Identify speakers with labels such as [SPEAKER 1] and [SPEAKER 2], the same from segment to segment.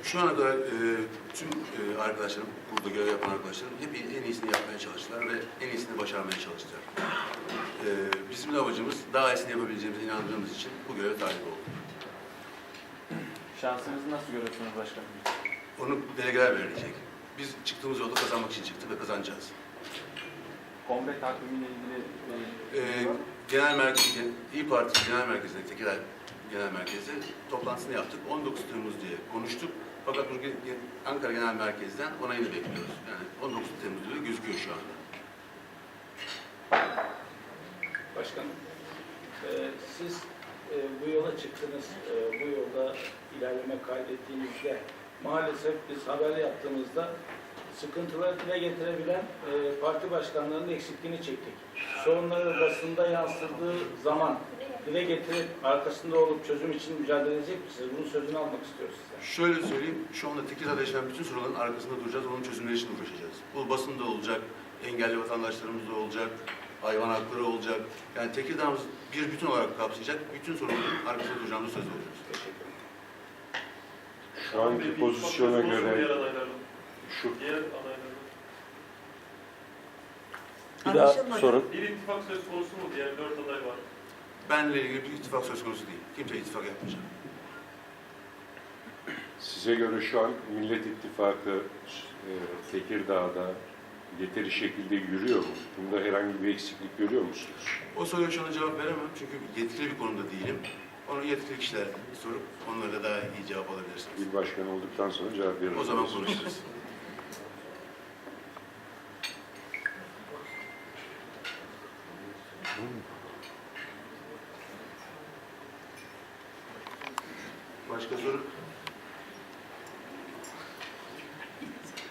[SPEAKER 1] Şu ana kadar tüm arkadaşlarım, burada görev yapan arkadaşlarım hep en iyisini yapmaya çalıştılar ve en iyisini başarmaya çalıştılar. Bizim de amacımız daha iyisini yapabileceğimize inandığımız için bu göreve talip olduk.
[SPEAKER 2] Şansınızı nasıl görüyorsunuz başkanım?
[SPEAKER 1] Onu delegeler belirleyecek. Biz çıktığımız yolda kazanmak için çıktık ve kazanacağız.
[SPEAKER 2] Kongre takvimiyle ilgili
[SPEAKER 1] Genel merkez, İYİ Parti Genel Merkezi'nde, Tekirdağ Genel Merkezi toplantısını yaptık. 19 Temmuz diye konuştuk. Fakat bugün Ankara Genel Merkez'den onayını bekliyoruz. Yani 19 Temmuz diye gözüküyor şu anda.
[SPEAKER 3] Başkanım, siz bu yola çıktınız, bu yolda ilerleme kaydettiğinizde maalesef biz haber yaptığımızda sıkıntıları dile getirebilen parti başkanlarının eksikliğini çektik. Sorunları basında yansıdığı zaman dile getirip arkasında olup çözüm için mücadele edecek misiniz? Bunun sözünü almak istiyoruz sizden.
[SPEAKER 1] Şöyle söyleyeyim, şu anda Tekirdağ'da yaşanan bütün sorunların arkasında duracağız, onun çözümleri için uğraşacağız. Bu basında olacak, engelli vatandaşlarımız da olacak, hayvan hakları olacak. Yani Tekirdağ'ımız bir bütün olarak kapsayacak, bütün sorunların arkasında duracağımızı söz veriyoruz.
[SPEAKER 3] Teşekkür ederim.
[SPEAKER 4] Şu anki pozisyona göre şu
[SPEAKER 5] Diğer adaylarda.
[SPEAKER 4] bir daha sorun.
[SPEAKER 5] Bir ittifak söz konusu mu? Diğer 4 aday var.
[SPEAKER 1] Benle ilgili bir ittifak söz konusu değil. Kimse ittifak yapmayacak.
[SPEAKER 4] Size göre şu an Millet İttifakı Tekirdağ'da yeteri şekilde yürüyor mu? Bunda herhangi bir eksiklik görüyor musunuz?
[SPEAKER 1] O soruya şu anda cevap veremem çünkü yetkili bir konuda değilim. Onu yetkili kişiler sorup onlara daha iyi cevap alabilirsiniz.
[SPEAKER 4] İl başkanı olduktan sonra cevap verin.
[SPEAKER 1] O zaman konuşuruz. Başka soru?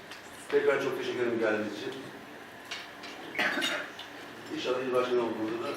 [SPEAKER 1] Tekrar çok teşekkür ederim geldiğiniz için. İnşallah il başkanı olduğumuzda da